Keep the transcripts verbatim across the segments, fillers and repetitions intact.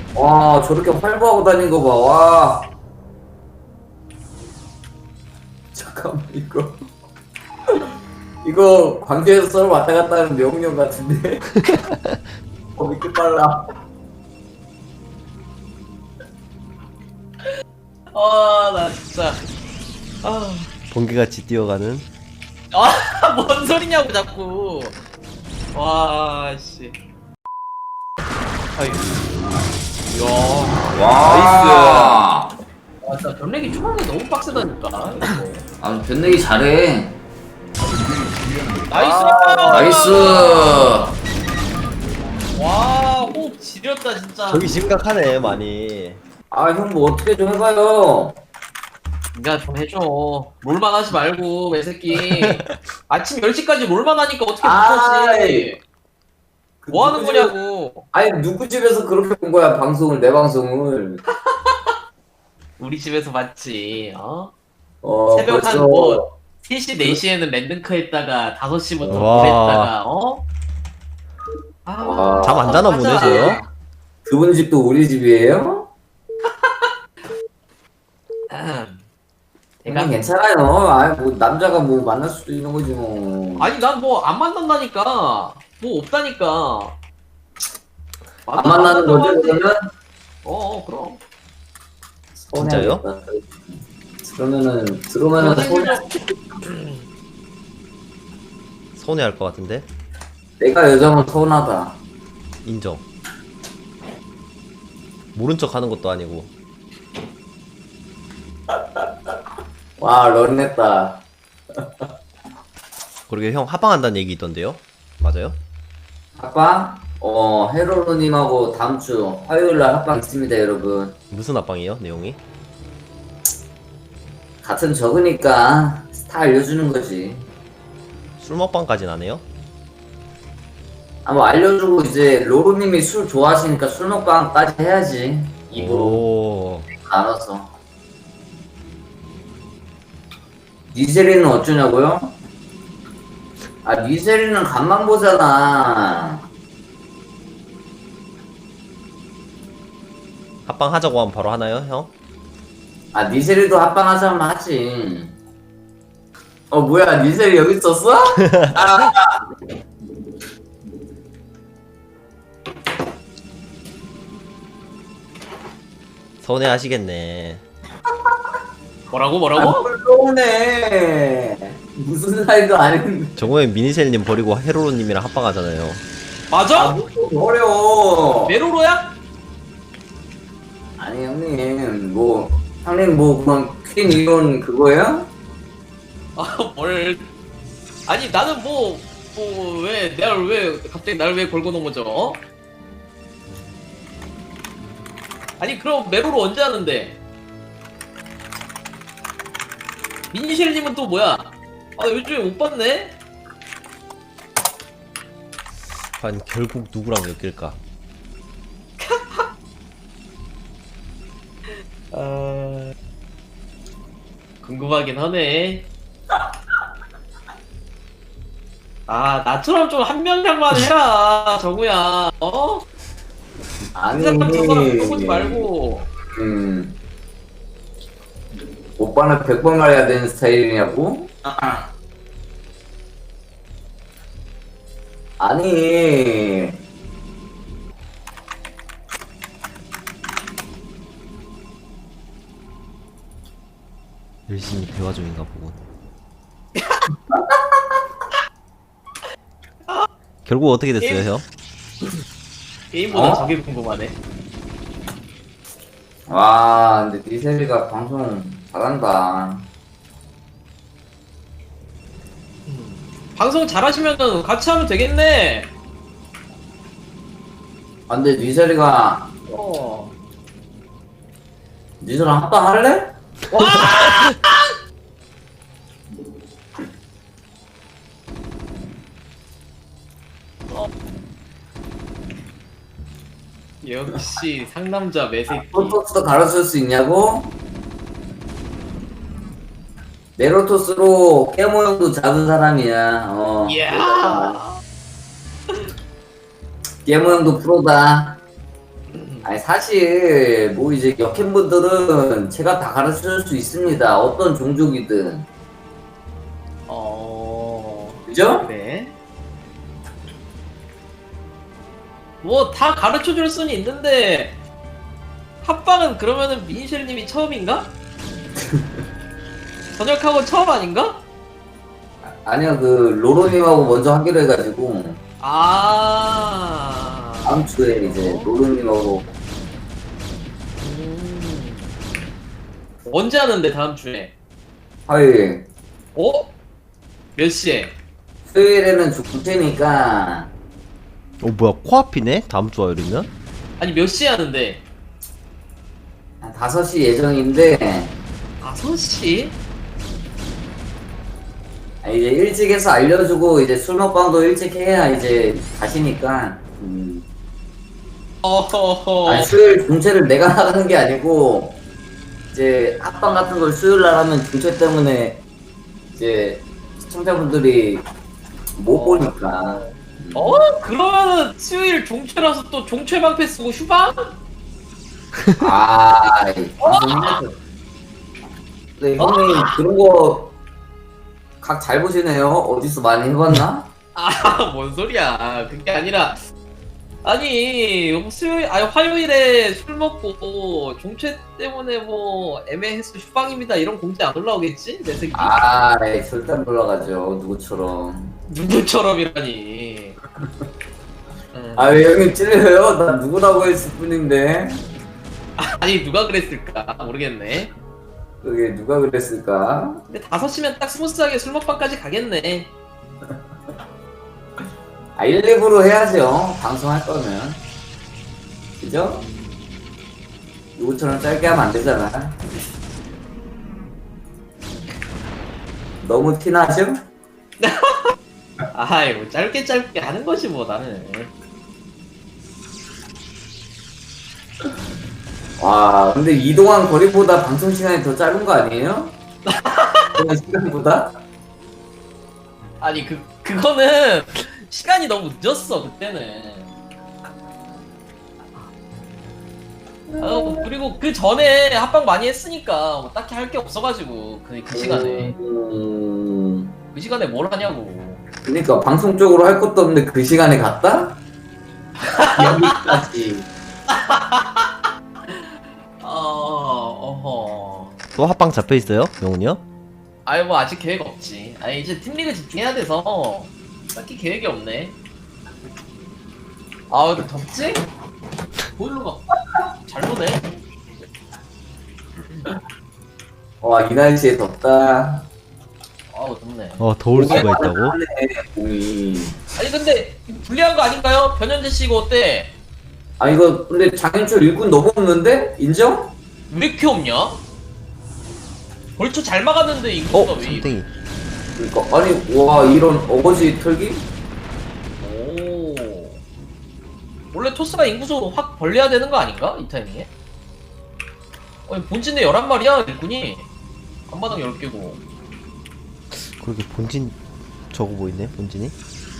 와, 저렇게 활보하고 다니는 거 봐. 와. 잠깐만, 이거. 이거 광주에서 서울 왔다 갔다 하는 명령 같은데? 어, 왜 이렇게 빨라? 아, 나 진짜. 아, 번개같이 뛰어가는. 아, 뭔 소리냐고, 자꾸. 와, 씨. 아이고. 이야. 와. 와, 진짜 변렉이 초반에 너무 빡세다니까, 이거. 아, 변내기 잘해. 나이스! 아, 나이스. 와, 호흡 지렸다, 진짜. 저기 심각하네 많이. 아, 형 뭐 어떻게 좀 해봐요. 니가 좀 해줘. 롤만 하지 말고, 매새끼. 아침 열 시까지 롤만 하니까 어떻게 아이. 못하지? 뭐 하는 누구 집- 거냐고. 아니, 누구 집에서 그렇게 본 거야, 방송을, 내 방송을. 우리 집에서 봤지, 어? 어, 새벽 벌써- 한 뭐, 세 시, 네 시에는 랜드크 했다가, 다섯 시부터 와. 뭘 했다가, 어? 아, 와. 잠 안 자나 보네, 하자. 쟤요? 그분 집도 우리 집이에요? 음. 내가 내가, 괜찮아요. 아, 뭐 남자가 뭐 만날 수도 있는 거지 뭐. 아니, 난 뭐, 안 만난다니까. 뭐, 없다니까. 안 만나는 거죠, 그러면? 어, 어, 그럼. 진짜요? 서운해하겠다. 그러면은 그러면은 서운해. 서운해할 것 같은데. 내가 여자면 서운하다. 인정. 모른 척 하는 것도 아니고. 와, 런했다. 그러게 형 합방한다는 얘기 있던데요? 맞아요? 합방? 어, 헤로로님하고 다음 주 화요일 날 합방 있습니다, 여러분. 무슨 합방이요? 내용이? 같은 적으니까 다 알려주는 거지. 술 먹방까진 안 해요? 아, 뭐 알려주고 이제 로로님이 술 좋아하시니까 술 먹방까지 해야지. 입으로 오. 나눠서. 니세리는 어쩌냐고요? 아, 니세리는 간만 보잖아. 합방 하자고 하면 바로 하나요, 형? 아, 니세리도 합방하자면 하지. 어, 뭐야, 니세리 여기 있었어? 아, 서운해 하시겠네. 뭐라고, 뭐라고? 훌륭해. 무슨 사이도 아닌데. 저번에 미니셀님 버리고 헤로로님이랑 합방하잖아요. 아, 맞아? 뭐 어려워. 메로로야? 아니, 형님, 뭐, 형님, 뭐, 그건 퀸 이론 그거예요? 아, 뭘. 아니, 나는 뭐, 뭐, 왜, 내가 왜, 갑자기 날 왜 걸고 넘어져, 어? 아니, 그럼 메로로 언제 하는데? 민니쉘님은 또 뭐야? 아, 요즘에 못 봤네? 과연 결국 누구랑 엮일까? 아... 궁금하긴 하네. 아, 나처럼 좀 한 명량만 해라, 정우야. 어? 아니, 한 사람 두 사람 보지 말고. 음, 오빠는 백 번 말해야 되는 스타일이냐고? 아니, 열심히 대화 중인가 보군. 결국 어떻게 됐어요, 형? 게임보다 어? 저게 궁금하네. 와, 근데 니세리가 방송 잘한다. 방송 잘하시면은 같이 하면 되겠네. 아, 근데 니세리가, 어. 니세랑 합방 할래? 역시 상남자 매새끼. 프로토스도 가르칠 수 있냐고? 메로토스로 깨모형도 잡은 사람이야. 어. 이야. 깨모형도 프로다. 아니 사실 뭐 이제 역행분들은 제가 다 가르쳐줄 수 있습니다. 어떤 종족이든. 어. 그죠? 네. 뭐 다 가르쳐 줄 수는 있는데 합방은 그러면은 미니쉘님이 처음인가? 전역하고 처음 아닌가? 아니야 그 로로님하고 먼저 하기로 해가지고 아. 다음 주에 이제 로로님하고 음. 언제 하는데 다음 주에? 화요일 어? 몇 시에? 수요일에는 죽을 테니까 어 뭐야 코앞이네? 다음 주 화요일이면? 아니 몇 시에 하는데? 한 다섯 시 예정인데 다섯 시? 아, 이제 일찍 해서 알려주고 이제 술 먹방도 일찍 해야 이제 가시니까 음. 어허허. 아니 수요일 중체를 내가 나가는 게 아니고 이제 합방 같은 걸 수요일 날 하면 중체 때문에 이제 시청자분들이 못 어. 보니까 어? 그러면은 수요일 종최라서 또 종최 방패 쓰고 휴방? 아 방송에서 네 형님 그런 거 각 잘 보시네요. 어디서 많이 해봤나? 아, 뭔 소리야. 그게 아니라 아니 수요일 아니 화요일에 술 먹고 종최 때문에 뭐 애매해서 휴방입니다 이런 공지 안 올라오겠지? 내 새끼. 아 네, 절대 안 올라가죠 누구처럼. 누구처럼이라니. 응. 아 왜 형님 찔려요? 난 누구라고 했을 뿐인데 아니 누가 그랬을까 모르겠네. 그게 누가 그랬을까? 근데 다섯 시면 딱 스무스하게 술 먹방까지 가겠네. 아 일, 이 부로 해야죠 방송할 거면 그죠? 누구처럼 짧게 하면 안 되잖아. 너무 티나죠? 아이 뭐 짧게 짧게 하는 거지 뭐 나는. 와 근데 이동한 거리보다 방송 시간이 더 짧은 거 아니에요? 그냥 시간보다? 아니 그 그거는 시간이 너무 늦었어 그때는. 아, 그리고 그 전에 합방 많이 했으니까 뭐 딱히 할 게 없어가지고 그, 그 시간에 음... 그 시간에 뭘 하냐고. 그니까 방송 쪽으로 할 것도 없는데 그 시간에 갔다? 여기까지. 아 어허. 또 합방 잡혀있어요? 영훈이 형? 아이 뭐 아직 계획 없지. 아니 이제 팀리그 집중해야 돼서 딱히 계획이 없네. 아 근데 덥지? 보일러가 잘 보네. 와 이 날씨에 덥다. 아우 덥네. 어 더울 수가 있다고? 하네, 봄이. 아니 근데 불리한 거 아닌가요? 변현재 씨 이거 어때? 아 이거 근데 장윤철 일군 넘었는데? 인정? 왜 이렇게 없냐? 벌초 잘 막았는데 인구가 어? 왜 이래? 삼땡이 그러니까 아니 와 이런 어거지 털기? 오. 원래 토스가 인구수 확 벌려야 되는 거 아닌가? 이 타이밍에? 아니 본진에 열한 마리야 일꾼이. 한마당 열 개고. 그렇게 본진 저거 보이네 본진이?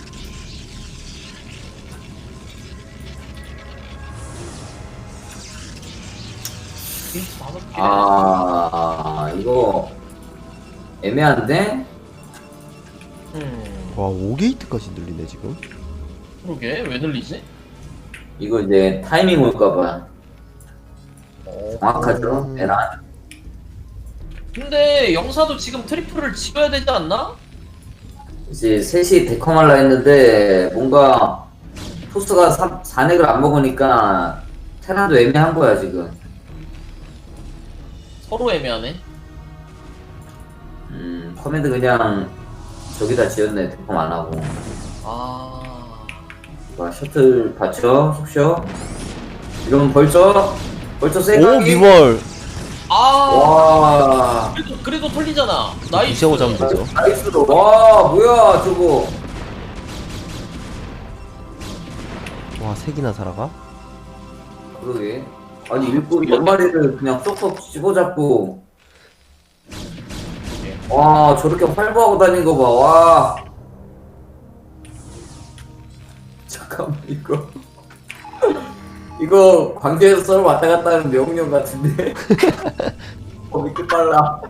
게이트 다섯 개. 아 이거 애매한데? 음. 와 오 게이트까지 늘리네 지금? 그러게 왜 늘리지? 이거 이제 타이밍 올까봐 어. 정확하죠? 음. 에란? 근데 영사도 지금 트리플을 지어야 되지 않나? 이제 셋이 데컴할라 했는데 뭔가 토스가 사 넥을 안 먹으니까 테란도 애매한 거야 지금. 서로 애매하네. 음 커맨드 그냥 저기다 지었네 데컴 안 하고. 아. 와 셔틀 받쳐 속셔. 이러면 벌써 벌써 오 세강이. 미월! 아. 와 그래도 그래도 털리잖아. 나이스. 무시하고 잡으면 되죠. 나이스로. 와 뭐야 저거. 와 색이나 살아가? 그러게. 아니 일꾼 몇 마리를 그냥 쏙쏙 집어잡고. 와 저렇게 활보하고 다닌 거 봐. 와. 잠깐만 이거. 이거 광주에서 서울 왔다 갔다 하는 명령 같은데. 어 믿기 빨라.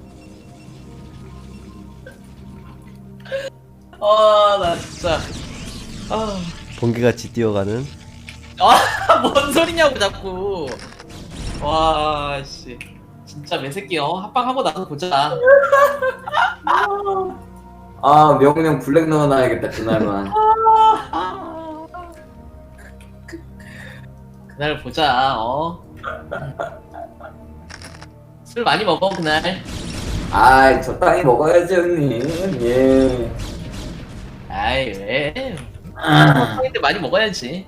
아, 나 진짜. 아, 번개같이 뛰어가는. 아, 뭔 소리냐고 자꾸. 와, 씨. 진짜 매새끼 어 합방하고 나서 보자. 아 명령 블랙 넣어놔야겠다 그날만. 그날 보자. 어. 술 많이 먹어 그날. 아 적당히 먹어야지 형님. 예. 아이 왜? 한인데 많이 먹어야지.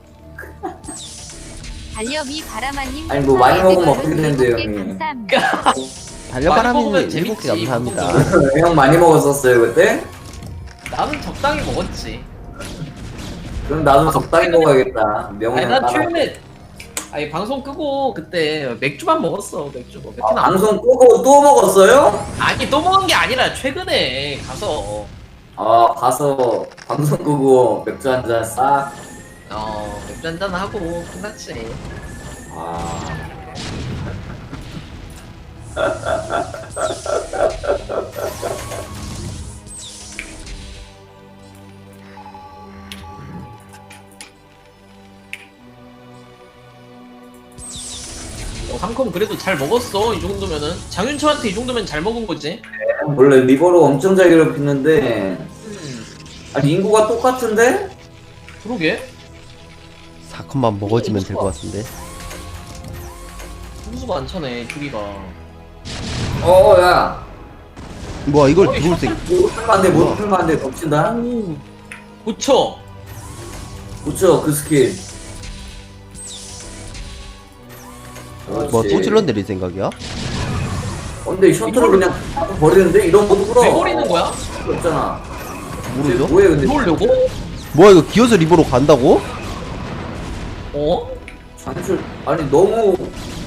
달려미 바라마님 아니, 뭐 많이 먹으면 별풍선 어떻게 되는데요, 일곱 개 형님? 감사합니다. 달려바람이는 먹으면 일곱 개 재밌지, 감사합니다. 형 많이 먹었었어요 그때? 나는 적당히 먹었지. 그럼 나도 적당히 먹어야겠다. 아니 명령 난 따라. 최근에 아니 방송 끄고 그때 맥주만 먹었어 맥주. 뭐 맥주는 아, 안 방송 끄고 또 먹었어요? 아니 또 먹은 게 아니라 최근에 가서 아 가서 방송 끄고 맥주 한 잔 싹. 어 맥주 한잔 하고 끝났지. 아. 어, 상컴 그래도 잘 먹었어 이 정도면은 장윤철한테 이 정도면 잘 먹은 거지. 원래 리버로 엄청 잘 괴롭히는데 음 아니 인구가 똑같은데? 그러게 사 컷만 먹어주면 될 것 같은데. 선수가 안 차네 둘이가. 어야 뭐야 이걸 어이, 누굴 때? 못 풀면 안돼 못 풀면 안돼 덮친다. 오 고쳐. 그쵸 그 스킬. 뭐 그렇지. 또 질러 내릴 생각이야? 어, 근데 셔틀을 그냥 버리는데 이런 것도 끌어. 왜 버리는 거야? 없잖아. 모르죠? 뭐해 근데? 이러려고? 뭐야 이거 기어서 리버로 간다고? 어? 장출 아니 너무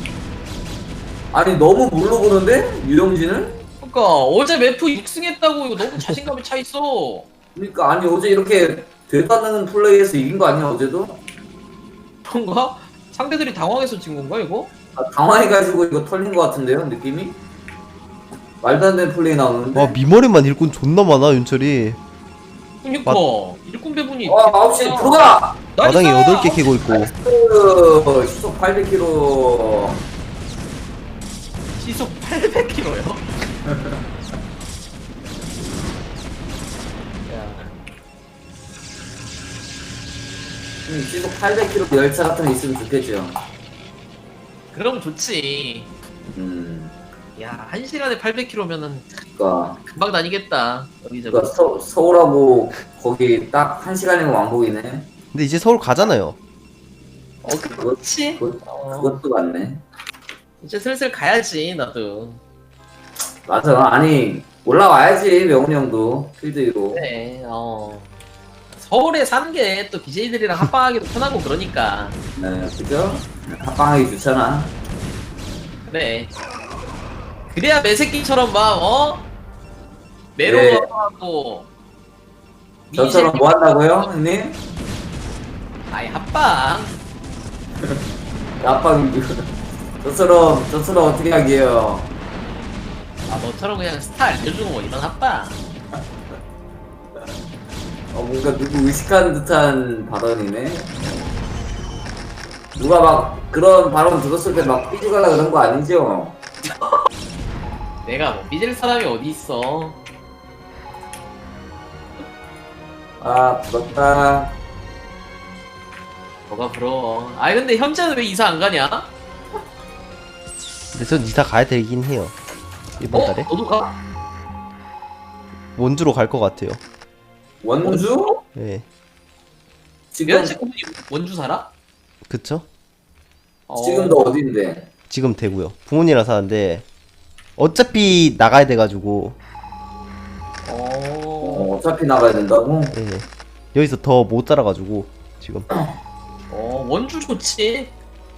아니 너무 물로 보는데 유영진을? 그니까 어제 매프 육 승 했다고 이거 너무 자신감이 차 있어. 그러니까 아니 어제 이렇게 되도 않는 플레이에서 이긴 거 아니야 어제도? 그런가? 상대들이 당황해서 진 건가 이거? 아, 당황해가지고 이거 털린 거 같은데요 느낌이? 말도 안 되는 플레이 나오는데. 와 미머리만 일꾼 존나 많아 윤철이. 그니까 일꾼 배분이. 와 아홉 시 들어가. 마당에 여덟 개 캐고 있고. 그 시속 팔백 킬로미터. 시속 팔백 킬로미터요? 음, 시속 팔백 킬로미터 열차 같은 거 있으면 좋겠죠. 그럼 좋지. 음, 야, 한 시간에 팔백 킬로미터면은 그러니까, 금방 다니겠다. 여기저기. 그러니까 서, 서울하고 거기 딱 한 시간이면 왕복이네. 근데 이제 서울 가잖아요. 어, 그렇지. 그것, 어, 그것도 맞네. 이제 슬슬 가야지, 나도. 맞아. 아니 올라와야지 명훈이 형도 필드 위로. 그래, 어. 서울에 사는 게 또 비제이들이랑 합방하기도 편하고 그러니까. 네, 그죠? 합방하기 좋잖아. 그래. 그래야 매새끼처럼 막, 어? 네. 메로하고. 저처럼 뭐 한다고요, 형님? 아이, 합방. 합방 저처럼 저처럼 어떻게 하게요? 아, 너처럼 그냥 스타 알려주고 뭐 이런 합방. 어, 뭔가 누구 의식하는 듯한 발언이네. 누가 막 그런 발언 들었을 때 막 삐죽하려 그런 거 아니죠? 내가 뭐 삐질 사람이 어디 있어. 아 부럽다. 뭐가 부러워. 아니 근데 현재는 왜 이사 안 가냐? 근데 전 이사 가야 되긴 해요. 이번 어? 달에 너도 가? 원주로 갈 것 같아요. 원주? 예, 지금 여자친구분이 원주 살아? 그쵸? 어. 지금 너 어딘데? 지금 되고요. 부모님이랑 사는데 어차피 나가야 돼가지고 어. 어, 어차피 나가야 된다고? 예, 여기서 더 못 살아가지고 지금. 어, 원주 좋지.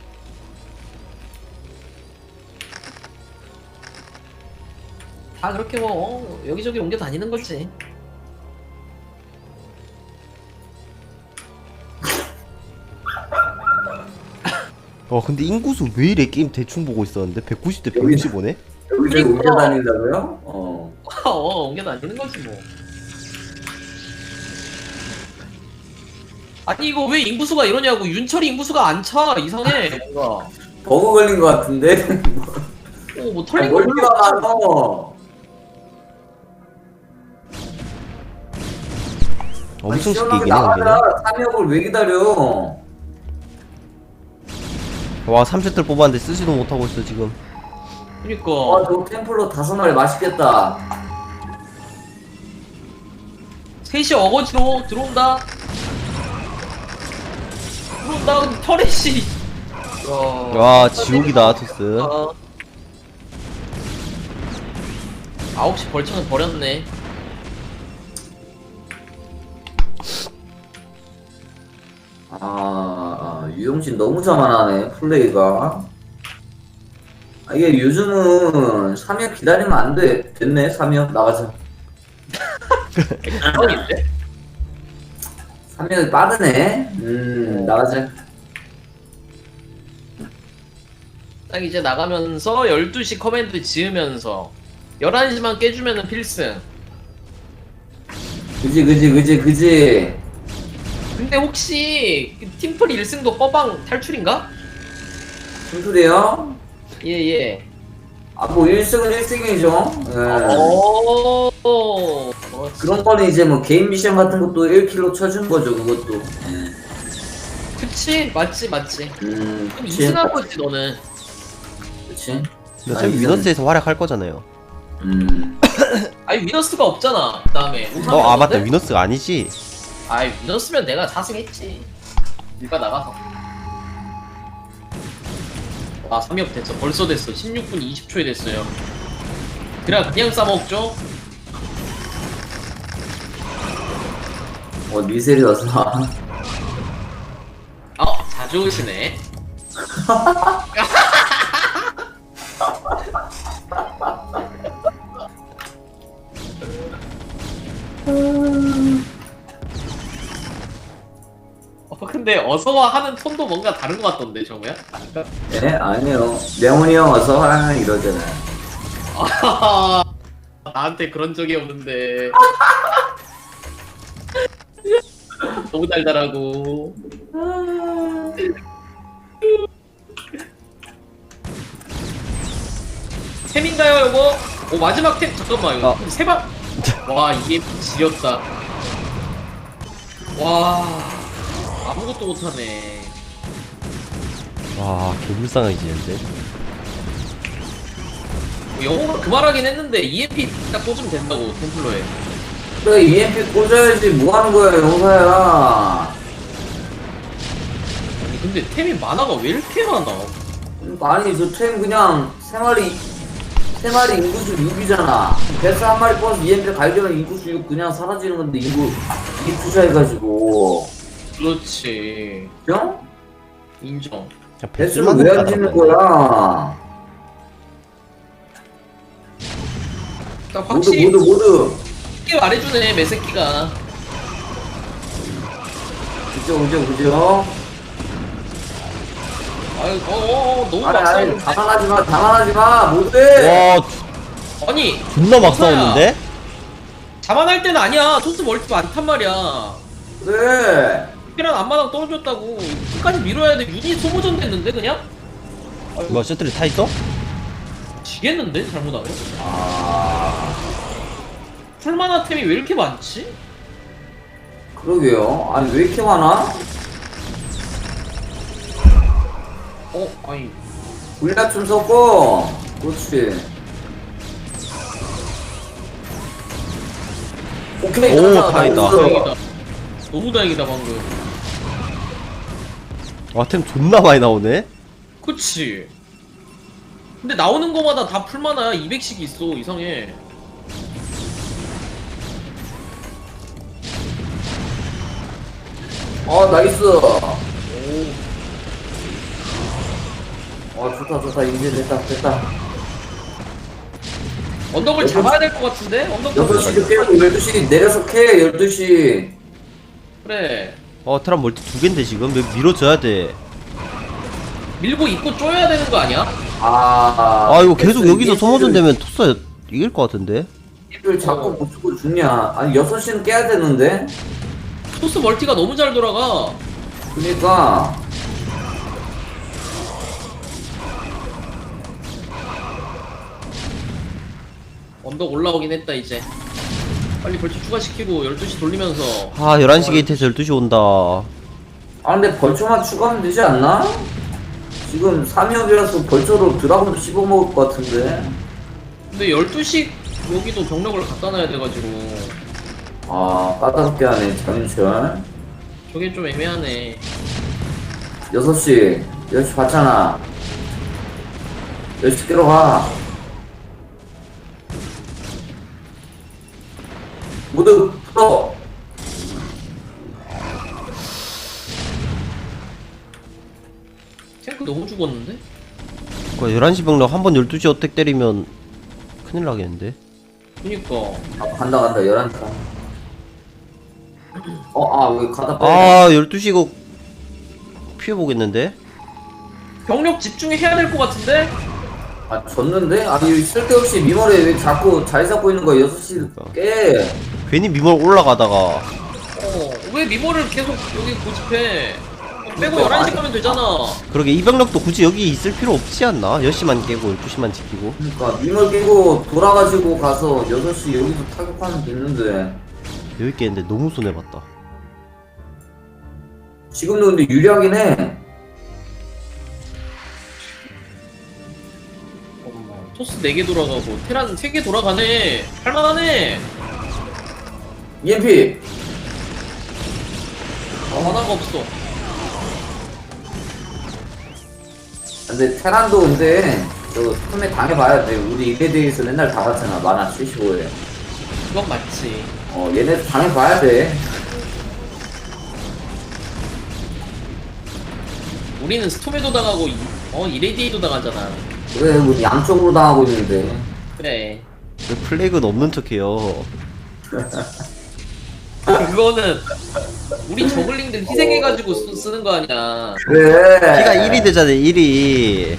다 그렇게 뭐 어, 여기저기 옮겨 다니는 거지. 와 근데 인구수 왜 이래? 게임 대충 보고 있었는데 백구십 대 백육십오네? 여기저기 옮겨 다닌다고요? 어. 어, 옮겨 다니는 거지 뭐. 아니 이거 왜 인구수가 이러냐고. 윤철이 인구수가 안 차. 이상해 뭔가. 버그 걸린 것 같은데? 어, 뭐 아니, 털린 거 별로 멀티가 없어. 많어. 엄청 쉽게 시원하게 이기네 여기는. 나가자. 삼역을 왜 기다려? 와 삼 세트를 뽑았는데 쓰지도 못하고 있어 지금. 그니까. 와, 저 템플러 다섯 마리 맛있겠다. 셋이 어거지로 들어온다. 들어온다. 근데 터렛이. 야. 와 지옥이다 토스. 아. 아홉 시 벌처는 버렸네. 아, 유용신 너무 자만하네, 플레이가. 아, 이게 요즘은 삼역 기다리면 안 돼. 됐네, 삼역 나가자. 뻥인데? 삼역이 빠르네. 음, 나가자. 딱 이제 나가면서 열두 시 커맨드 지으면서 열한 시만 깨주면은 필승. 그지, 그지, 그지, 그지. 근데 혹시 그 팀플 일 승도 꺼방 탈출인가? 무슨 예예. 아, 뭐 일 승은 일 승이죠. 예. 오. 그런 거는 이제 뭐 개인 미션 같은 것도 일 킬로 쳐준 거죠, 그것도. 그치 맞지 맞지. 음, 그럼 이 그치. 승할 거지 너는. 그치. 근데 어차피 위너스에서 활약할 거잖아요. 음. 아니 위너스가 없잖아. 그다음에 어 아 맞다 위너스가 아니지. 아이 위너스면 내가 사 승했지. 일가 나가서. 아 삼역 됐어. 벌써 됐어. 십육 분 이십 초에 됐어요. 그래 그냥 싸먹죠. 어, 미셀이 와서. 아 자주 오시네. 어 근데 어서와 하는 톤도 뭔가 다른 것 같던데 정우야? 네? 아니요. 명훈이 형 와서 하랑 이러잖아요. 아하하, 나한테 그런 적이 없는데. 너무 달달하고. 템인가요 요거? 오 마지막 템 잠깐만 이거 어. 세방. 와 이게 지렸다. 와 아무것도 못하네. 와 개불쌍하게 지는데. 영어로 그 말하긴 했는데 이엠피 딱 꽂으면 된다고 템플러에. 그래, 이엠피 꽂아야지. 뭐 하는 거야, 용사야. 아니 근데 템이 만화가 왜 이렇게 많아? 아니, 저 템 그냥 세 마리, 세 마리 인구수 육이잖아. 베스 한 마리 뽑아서 이엠피 갈기면 인구수 육 그냥 사라지는 건데, 인구, 이 투자해가지고. 그렇지. 형? 인정. 그냥 베스를 배슬만 왜 안 짓는 거야? 딱 모두, 확실히 모두, 모두. 쉽게 말해주네 매새끼가. 그죠, 그죠, 그죠? 아유 어, 어, 어 너무 아니, 막 아니, 싸우는데. 당황하지 마, 당황하지 마, 모두. 와 아니 존나 막 용사야. 싸웠는데? 자만할 때는 아니야. 토스 멀티 많단 말이야. 그래. 피란 앞마당 떨어졌다고. 끝까지 밀어야 돼. 유닛 소모전 됐는데 그냥? 뭐 셔틀이 타 있어? 지겠는데 잘못하면? 아, 풀만화 템이 왜 이렇게 많지? 그러게요. 아니, 왜 이렇게 많아? 어 아니 물약 좀 섞어. 그렇지. 오케이. 오, 가자, 다행이다. 나이스. 다행이다. 너무 다행이다 방금. 와 템 존나 많이 나오네. 그치. 근데 나오는 거마다 다 풀만화야. 이백씩 있어. 이상해. 어, 나이스. 오. 어, 좋다, 좋다. 이제 됐다, 됐다. 언덕을 여섯 잡아야 될 것 같은데? 언덕 여덟 시도 깨고 열두 시 내려서 캐, 열두 시. 그래. 어 트람 멀티 두 갠데 지금 왜 밀어줘야 돼. 밀고 입고 쪼여야 되는 거 아니야? 아, 아 이거 계속 여기서 소모전 이 되면 토스 이길 것 같은데. 를 자꾸 못 주고 죽냐? 아니 여섯 시는 깨야 되는데. 토스 멀티가 너무 잘 돌아가. 그러니까 언덕 올라오긴 했다 이제. 빨리 벌초 추가시키고 열두 시 돌리면서. 아 열한 시 게이트에서 열두 시 온다. 아 근데 벌초만 추가하면 되지 않나? 지금 삼 역이라서 벌초로 드라곤도 씹어먹을 것 같은데. 근데 열두 시 여기도 병력을 갖다 놔야 돼가지고 아 까다롭게 하네 장윤철. 저게 좀 애매하네. 여섯 시 여섯 시 봤잖아. 여섯 시 깨러 가. 모두 붙어. 탱크 너무 죽었는데? 그 열한 시 병력 한 번 열두 시 어택 때리면 큰일 나겠는데. 그니까 아 간다 간다 열한 시. 어아 왜 가다 빼? 아 열두 시 이거 피해보겠는데? 병력 집중해야 될 것 같은데? 아 졌는데? 아니 쓸데없이 미머리에 왜 자꾸 자리 잡고 있는 거야. 여섯 시 그러니까. 깨. 괜히 미몰 올라가다가 어왜 미모를 계속 여기 고집해? 빼고 그러니까 열한 시 아니- 가면 되잖아. 그러게 이 병력도 굳이 여기 있을 필요 없지 않나? 열 시만 깨고 열두 시만 지키고. 그러니까 미멀 끼고 돌아가지고 가서 여섯 시 여기서 타격하면 됐는데. 여기 깨는데 너무 손해봤다. 지금도 근데 유리하긴 해. 어, 토스 네 개 돌아가고 테란 세 개 돌아가네. 할만하네. 이엠피. 아, 하나가 없어. 근데 테란도 근데 저 처음에 당해봐야 돼. 우리 이에 대해서 맨날 다 봤잖아. 만화 칠십오에. 그건 맞지. 어 얘네 당해봐야 돼. 우리는 스톰에도 당하고 이- 어 이레디에도 당하잖아. 그래 우리 양쪽으로 당하고 있는데. 그래. 왜 플래그는 없는 척해요? 그거는 우리 저글링들 희생해가지고 쓰, 쓰는 거 아니야. 그래. 피가 일이 되잖아 일 위.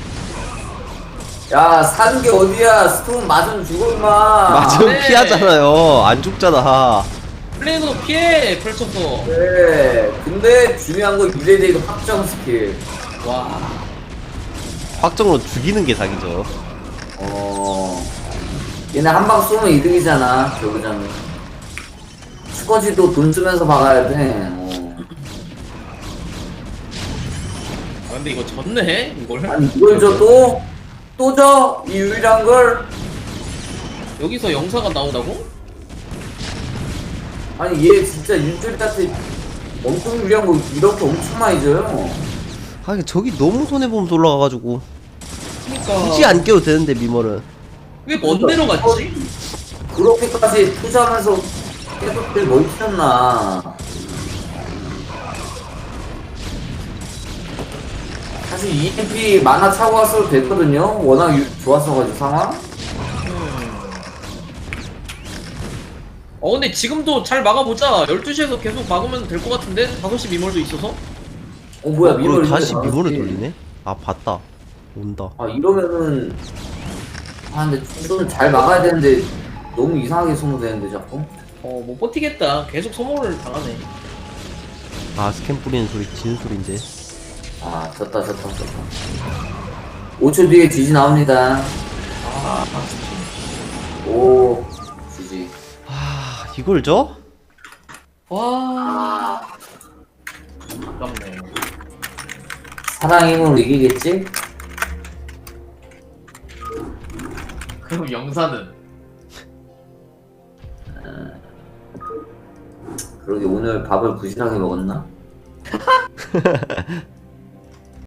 야 사는 게 어디야. 스톰 맞으면 죽어 임마. 맞으면 네. 피하잖아요. 안 죽잖아. 플레이도 피해 펼쳐서. 그래. 근데 중요한 건 이레데이도 확정 스킬. 와. 확정으로 죽이는 게 사기죠. 어 얘네 한 방 쏘면 이득이잖아. 저그자는 스쿼지도 돈 쓰면서 박아야 돼. 어. 아, 근데 이거 졌네 이걸. 아니 이걸 줘 또? 또 줘? 이 유일한 걸? 여기서 영사가 나오다고? 아니 얘 진짜 윤철이한테 엄청 유리한 거 이렇게 엄청 많이 줘요. 하긴 저기 너무 손해보면서 올라가가지고 그니까. 굳이 안 깨도 되는데 미멀은. 왜 먼 데로 갔지? 그렇게까지 투자하면서 계속 들 멀티였나. 사실 이엠피 만화 차고 왔어도 됐거든요. 워낙 유, 좋았어가지고 상황. 어 근데 지금도 잘 막아보자. 열두 시에서 계속 막으면 될 것 같은데? 다섯 시 미몰도 있어서? 어 뭐야 어, 미멀 그리고 다시 이제 미몰을 나왔지. 돌리네? 아 봤다. 온다. 아 이러면은 아 근데 좀 잘 막아야 되는데 너무 이상하게 소모되는데 자꾸. 어 못 버티겠다. 계속 소모를 당하네. 아 스캔 뿌리는 소리 지는 소린데. 아 졌다 졌다 졌다. 오 초 뒤에 지지 나옵니다. 오 지지. 아 이걸 줘? 와. 아깝네. 사랑 힘으로 이기겠지? 그럼 영사는? 그러게 오늘 밥을 부실하게 먹었나?